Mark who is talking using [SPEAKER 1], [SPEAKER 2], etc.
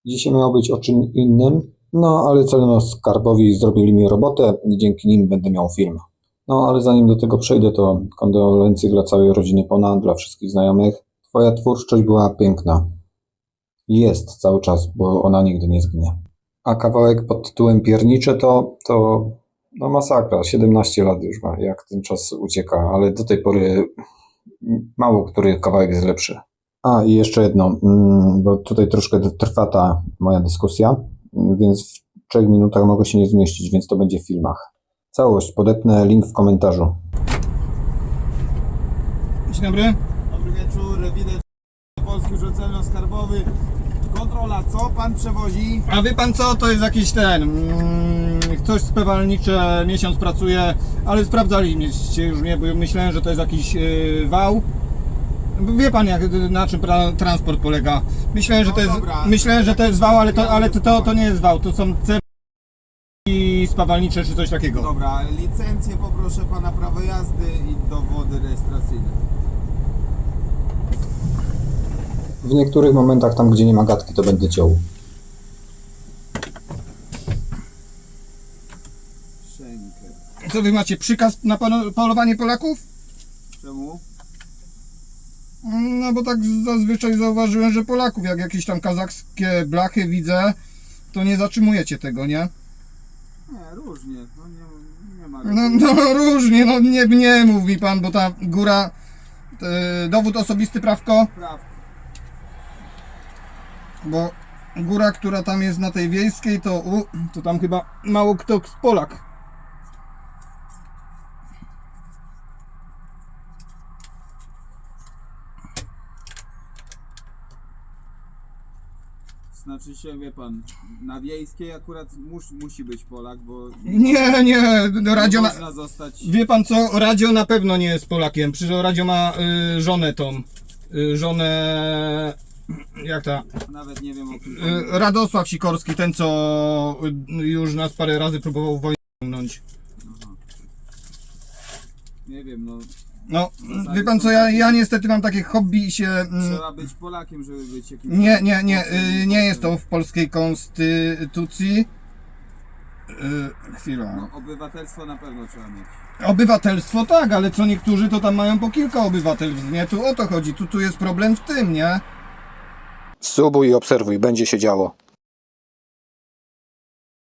[SPEAKER 1] Dzisiaj miało być o czym innym, no ale celno-skarbowi zrobili mi robotę i dzięki nim będę miał film. No ale zanim do tego przejdę, to kondolencje dla całej rodziny Pona, dla wszystkich znajomych. Twoja twórczość była piękna. Jest cały czas, bo ona nigdy nie zginie. A kawałek pod tytułem Piernicze to no masakra. 17 lat już ma, jak ten czas ucieka, ale do tej pory mało który kawałek jest lepszy. A i jeszcze jedno, bo tutaj troszkę trwa ta moja dyskusja, więc w 3 minutach mogę się nie zmieścić, więc to będzie w filmach. Całość podepnę, link w komentarzu.
[SPEAKER 2] Dzień dobry.
[SPEAKER 3] Dobry wieczór, rewident Polski Urząd Celno-Skarbowy. Kontrola, co pan przewozi?
[SPEAKER 2] A wie pan co, to jest jakiś coś spewalnicze, miesiąc pracuje, ale sprawdzaliście już mnie, bo myślałem, że to jest jakiś wał. Wie pan na czym transport polega. Myślałem, że
[SPEAKER 3] No
[SPEAKER 2] to jest,
[SPEAKER 3] dobra.
[SPEAKER 2] myślałem, że to jest wał, ale to nie jest wał, to są i spawalnicze czy coś takiego.
[SPEAKER 3] Dobra, licencję poproszę pana, prawo jazdy i dowody rejestracyjne.
[SPEAKER 1] W niektórych momentach tam, gdzie nie ma gadki, to będę ciął.
[SPEAKER 3] Szenkę.
[SPEAKER 2] Co wy macie, przykaz na polowanie Polaków?
[SPEAKER 3] Czemu?
[SPEAKER 2] No bo tak zazwyczaj zauważyłem, że Polaków, jak jakieś tam kazachskie blachy widzę, to nie zatrzymujecie tego, nie?
[SPEAKER 3] Nie, różnie, no nie ma.
[SPEAKER 2] No różnie, no nie mów mi pan, bo ta góra, dowód osobisty prawko,
[SPEAKER 3] Prawda.
[SPEAKER 2] bo góra, która tam jest na tej wiejskiej, to tam chyba mało kto Polak.
[SPEAKER 3] Znaczy się, wie pan, na wiejskiej akurat musi być Polak, bo
[SPEAKER 2] Nie, Radio
[SPEAKER 3] można zostać...
[SPEAKER 2] Wie pan co, Radio na pewno nie jest Polakiem, przecież Radio ma żonę żonę, jak ta,
[SPEAKER 3] Nawet nie wiem o kim.
[SPEAKER 2] Radosław Sikorski, ten co już nas parę razy próbował wojnę ciągnąć.
[SPEAKER 3] Nie wiem, no.
[SPEAKER 2] No, wie pan co, ja niestety mam takie hobby i się...
[SPEAKER 3] Trzeba być Polakiem, żeby być jakimś...
[SPEAKER 2] Nie jest to w polskiej konstytucji. Chwila.
[SPEAKER 3] No, obywatelstwo na pewno trzeba mieć.
[SPEAKER 2] Obywatelstwo tak, ale co niektórzy to tam mają po kilka obywatelstw, nie? Tu o to chodzi, tu jest problem w tym, nie?
[SPEAKER 1] Subuj i obserwuj, będzie się działo.